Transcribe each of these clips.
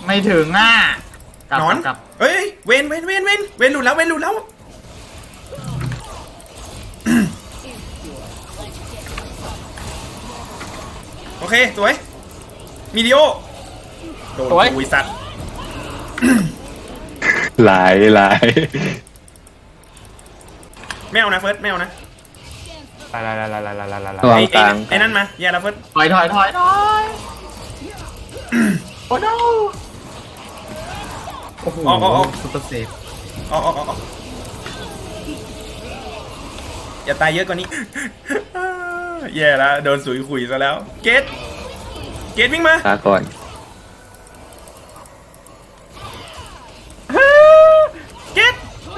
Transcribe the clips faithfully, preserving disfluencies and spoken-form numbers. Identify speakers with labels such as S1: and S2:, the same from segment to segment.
S1: ไม่ถึงอ่ะกลับ
S2: นอน
S1: กลับ
S2: เฮ้ยเวนเวนเวนเวนเวนหลุดแล้วเวนหลุดแล้วโอเคสวยมีดิโอโดนอุยสัตว์
S3: หลายหลาย
S2: ไม่เอานะเฟิร์สไม่เอานะ
S4: ลายลายลายลายลายลายลายลาย
S3: ระวังกลาง
S2: ไอ้นั่นมาอย่าละเฟิร์ส
S1: ถอยถอยถอยถอยโอ้โหโอ้โห
S2: ออกออกออก
S1: ซุปเปอร์เซฟ
S2: ออกออกออกอย่าตายเยอะกว่านี้ แย่แล้วโดนสุยขุยซะแล้วเกตเกตวิ่งมา
S3: ลาก่อน
S2: เกต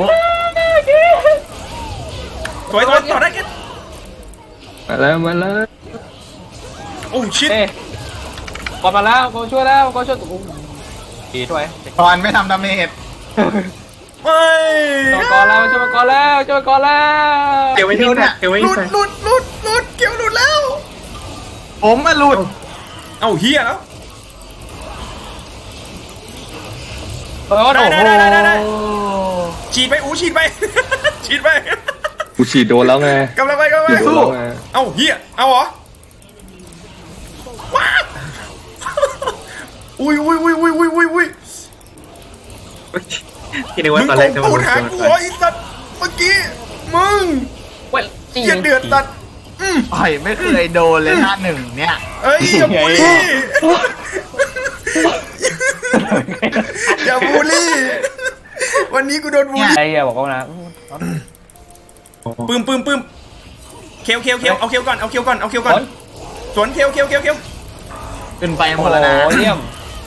S2: สวยสวยต่อได้เกต
S3: มาแล้วมาแล้ว
S2: โอ้ชิต
S4: เอ้ก่อนมาแล้วก่อนช่วยแล้วก่อนช่วยตุ้มดีช่วย
S1: ตอนไม่ทำดาเมจ
S2: ไม่
S4: ช่วยก่อนแล้วช่วยก่อนแล้วช่วยก่อนแล้ว
S5: เกี่ยวไม่ทิ้งเนี่ยเกี่ยวไม่
S2: หลุ
S5: ทิ้
S2: ด
S5: ง
S2: หลุดหลุดหลุดเกี่ยวหลุดแล้ว
S1: ผมมาหลุด
S2: เอ้าเฮียแล้ว
S4: โอ้โห
S2: ได้ได้ได้ได้ได้ ฉีดไปอูฉีดไป ฉีดไป
S3: กูฉีดโดนแล้วไง
S2: กำลังไปกำลังไป
S3: ฉีดโดนแล้วไง
S2: เอ้าเฮียเอาเหรอว้าอุ้ยอุ้ยอุ้ยอุ้ยอุ้ยอุ้ยอุ้ย
S5: ที่นึก
S2: มึ
S5: ว่าง ตอนแรกจะ
S2: ปู
S5: มา
S2: ดหากูเหรอไอ้สัตว์เมื่อกี้มึง
S4: เว้ย
S2: เฮียเดือดสัตว์อืม
S1: ต่อยไม่เคยโดนเลยหน้าหนึ่งเนี่ย
S2: เอ้ยอย่าบูลลี่อย่าบูลลี่วันนี้กูโดนบูลลี่
S4: ไอ้เหี้ยบอกว่านะ
S2: ปืมปืมปืมเคียวเคียวเคียวเอาเคียวก่อนเอาเคียวก่อนเอาเคียวก่อนสวนเคียวเคียวเคียวเคียว
S1: ขึ้นไปห
S4: โอ้
S1: มด
S4: โห
S1: แล้วนะ
S4: เยี่ยม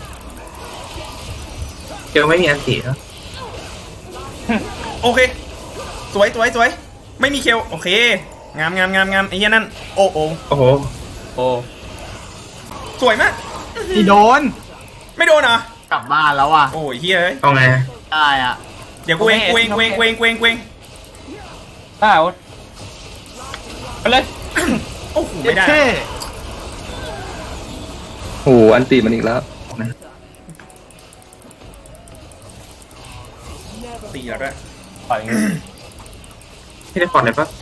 S5: เกี่ยวไม่มีอันตีแล้ว
S2: โอเคสวยสวยสวยไม่มีเคียวโอเคงามงามงามงามไอ้เหี้ยนั่นโอ้โอ้
S5: โอ้โห
S4: โอ้
S2: สวยมาก
S1: ที่โดน
S2: ไม่โดนเหรอก
S1: ลับบ้านแล้วอ่ะ
S2: โอ้ยเฮียเอ้ย
S5: เอาไง
S1: ได้อ่ะ
S2: เดี๋ยวกูเองกูเองกูเองกูเองกูเองกูเอง
S4: ได้โอ๊ตไปเลย
S2: โอ้โหไม่ได้
S1: เท่
S3: โอ้โหอันตีมันอีกแล้ว
S2: ตีแล้วด้วย
S4: ปล่อยอย่างงี้
S5: ที่ได้ปลอดเลยปะ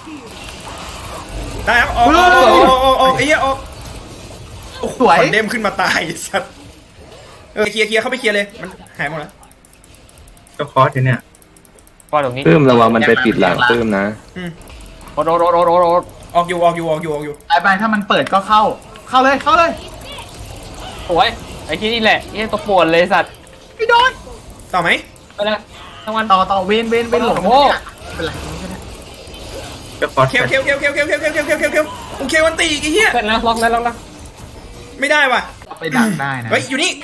S2: ได้ครับออกออกออกออกออกไอ้เหี้ยออกโอ้โห
S1: สวย
S2: คอนเดมขึ้นมาตายไอ้สัตว์เออเคลียร์เคลียร์เข้าไปเคลียร์เลยมันหายหมดแล้ว
S5: ก็คอร์สอยู่เนี่ย
S4: ปล่อยตรงนี้
S3: ปื้มระวังมันไปปิดหลังปื้มนะ
S2: อืม
S4: โอ๊ตโอ๊ตโอ๊ตโอ๊ตโอ๊ตโอ๊ต
S2: ออกอยู่ออกอยู่ออกอยู่ออกอยู่
S1: ไปไปถ้ามันเปิดก็เข้า เข้าเลยเข้าเลย
S4: สวยไอ้ที่นี่แหละนี่ตัวปวดเลยสัตว์
S1: ไม่โดน
S2: ต่อไหม
S4: ไปเลยทั้งวัน
S1: ต่อต่อเวนเวนเวนหลง
S4: โอ้โห
S1: เป็นไรไม่เป็นไร
S5: ก็คอร์ส
S2: เคลียร์เคลียร์เคลียร์เคลียร์เคลียร์เคลียร์เคลียร์เคลียร์เคลียร์เคลียร์โอเควันตีอีกไอ้เหี้ย
S4: เสร็จแล้วล็อกแล้วล็อกแล้ว
S2: ไม่ได้ว่ะ
S1: ไปดักได้นะ
S2: เฮ้ยอยู่นี่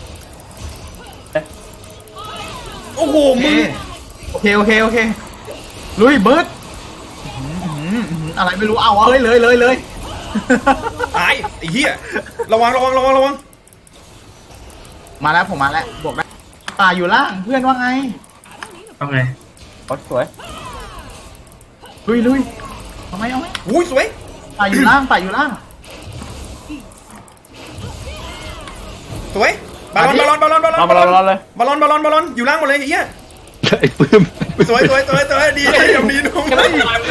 S2: โอ้โห
S1: โอเค
S2: มึง
S1: โอเคโอเคโอเคลุยเบิร์ดอื้อหืออื้อหืออะไรไม่รู้เอาเอาเลยเลยเลยเลย
S2: ตายไอ้เหี้ยระวังระวังระวังระวัง
S1: มาแล้วผมมาแล้วบวกได้ป่าอยู่ล่างเพื่อนว่าไง
S5: เอาไง
S4: โอ๊ตสวย
S1: ลุยลุยเอาไหมเอาไหม
S2: อุ้ยสวย
S1: ป่าอยู่ล่างป่าอยู่ล่าง
S2: สวยบอลลอนบอลลอนบอลลอน
S4: เอา
S2: บอล
S4: บอ
S2: ล
S4: ล
S2: อน
S4: เลย
S2: บอลลอนบอลลอนบอลลอนอยู่ล่างหมดเลยไอ้เหี้ย
S3: ไอ้ปื้ม
S2: สวยสวยสวยสวยดีเดี๋ยวดีนุ่ม
S4: ไม่ตายเลย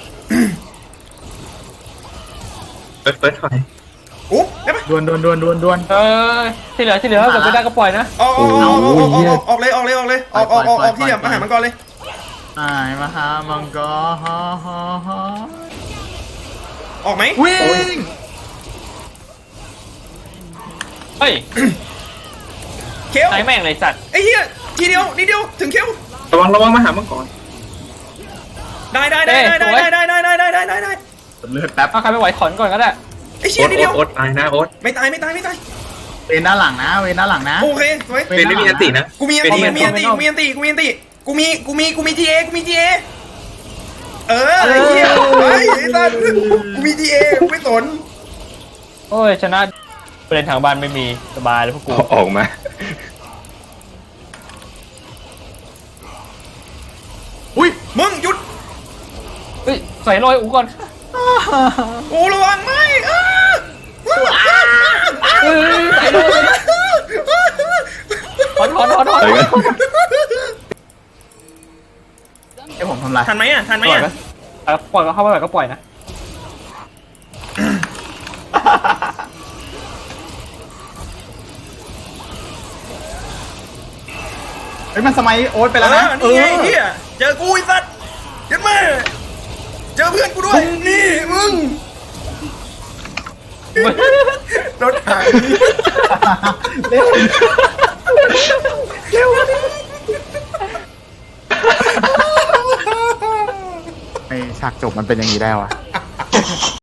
S5: เปิดเปิดถอย
S2: อุ๊บได้ปะ
S1: ดวนดวนดวนดวนดวน
S4: เออที่เหลือที่เหลือถ้าเกิดไม่ได้ก็ปล่อยนะ
S2: ออกออกออกออกออกออกออกเลยออกเลยออกเลยออกออกออกออกที่เดียวมาหามันก่อนเลย
S1: ไอ้มาหามังกรฮ่าฮ่าฮ่า
S2: ออกไหม
S1: วิ่ง
S4: เฮ้ย
S2: เคียว
S4: ไหนแม่งเลยสัตว์
S2: ไอ้เหี้ยทีเดียวนิดเดียวถึงเคียว
S5: ระวังระวังมาหามังกร
S2: ได้ได้ได้ได้ได้ได้ได้ได้ได้ได้ได้ได้
S1: เลือดแป๊บ
S4: ถ้าใครไม่ไหวถอนก่อนก็ได้
S2: ไอ้เชี่
S5: โอ๊
S2: ย
S5: ต
S2: นิดเดียว
S5: โอ๊ตตายนะโอ๊ต
S2: ไม่ตายไม่ตายไม่ตาย
S1: เวนด้านหลังนะเวนด้านหลังนะ
S2: โอเคสวย
S5: เป็นไม่มีอันตีนะ
S2: กูมีอันตีกูมีอันตีกูมีอันตีกูมีอันตีกูมีกูมีกูมีทีเอกูมีทีเอเออไอ้เหี้ยไอ้สัสกูมีทีเอกูไม่สน
S4: โอ้ยชนะประเด็นทางบ้านไม่มีสบายเลยพวกกู
S3: ออกมา
S1: อุ้ย
S2: มึงหยุด
S4: เฮ้ยใส่ลอยอูก่อน
S2: โอ้ระวังไม่เออ
S4: เฮ้ยใส่ลอย
S3: ไปกัน
S1: ให้ผมทำลาย
S2: ทันไหมอ่ะทันไหม
S4: ปล่อย
S2: อ่ะ
S4: ไหมอ่ะปล่อยก็เข้าไปปล่อยก็ปล่อยนะ
S1: เฮ้ยมันสมัยโอ๊ตไป
S2: เอ
S1: แล้วนะ
S2: อนี่ไงเฮียเจอกูไอ้สัตว์เยัดแม่เจอเพื่อนกูด้วยนี่มึงรถถัง
S1: เร็วเร็วไอฉากจบมันเป็นอย่างนี้ได้วะ